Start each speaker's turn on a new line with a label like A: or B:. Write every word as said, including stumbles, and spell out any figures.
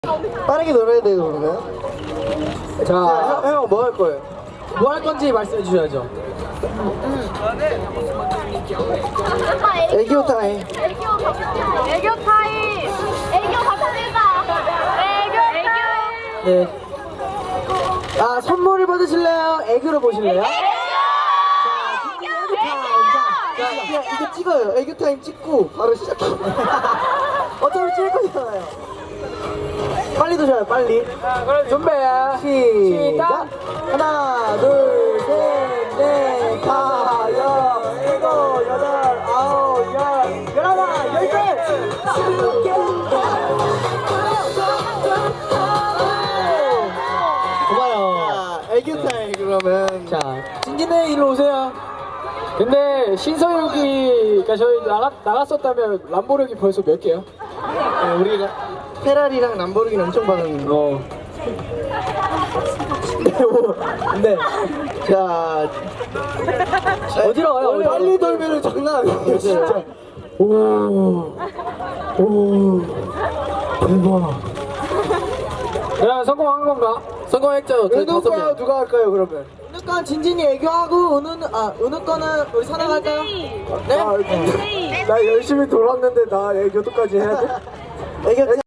A: 빠르게 놀아야 돼요, 그러면.
B: 자,
A: 형, 형, 뭐 할 거예요?
B: 뭐 할 건지 말씀해 주셔야죠.
A: 애교 타임.
C: 애교 애교 타임. 애교 감사합니다. 애교 애교.
B: 네. 아, 선물을 받으실래요? 애교를 보실래요?
A: 자, 이거, 이거 찍어요. 애교 타임 찍고 바로 시작해요. 어차피 찍을 거잖아요. 빨리 도셔요, 빨리.
B: 자, 그럼 준비.
A: 시작. 하나, 둘, 셋, 넷, 다, 여, 일곱, 여덟, 아홉, 열, 열하나, 열둘, 스무 개. 고마워요. 애교 타임 그러면.
B: 자, 진진네 일로 오세요. 근데 신서유기가 저희 나가, 나갔었다면 람보르기 벌써 몇 개요?
A: 네, 우리가 페라리랑 람보르기는 엄청 받았는데.
B: 어.
A: 네, 뭐, 네. 자,
B: 어디로 가요? 어디로?
A: 빨리 돌면은 장난 아니에요, 진짜. 오, 오, 대박.
B: 그럼 성공한 건가? 성공했죠. 저희 다섯
A: 은우 거
B: 명.
A: 누가 할까요, 그러면? 은우 건 진진이 애교하고, 은우는, 아, 은우 거는 우리 사나가 할까요? 네? 나 열심히 돌았는데 나 애교도까지 해야 돼? 애교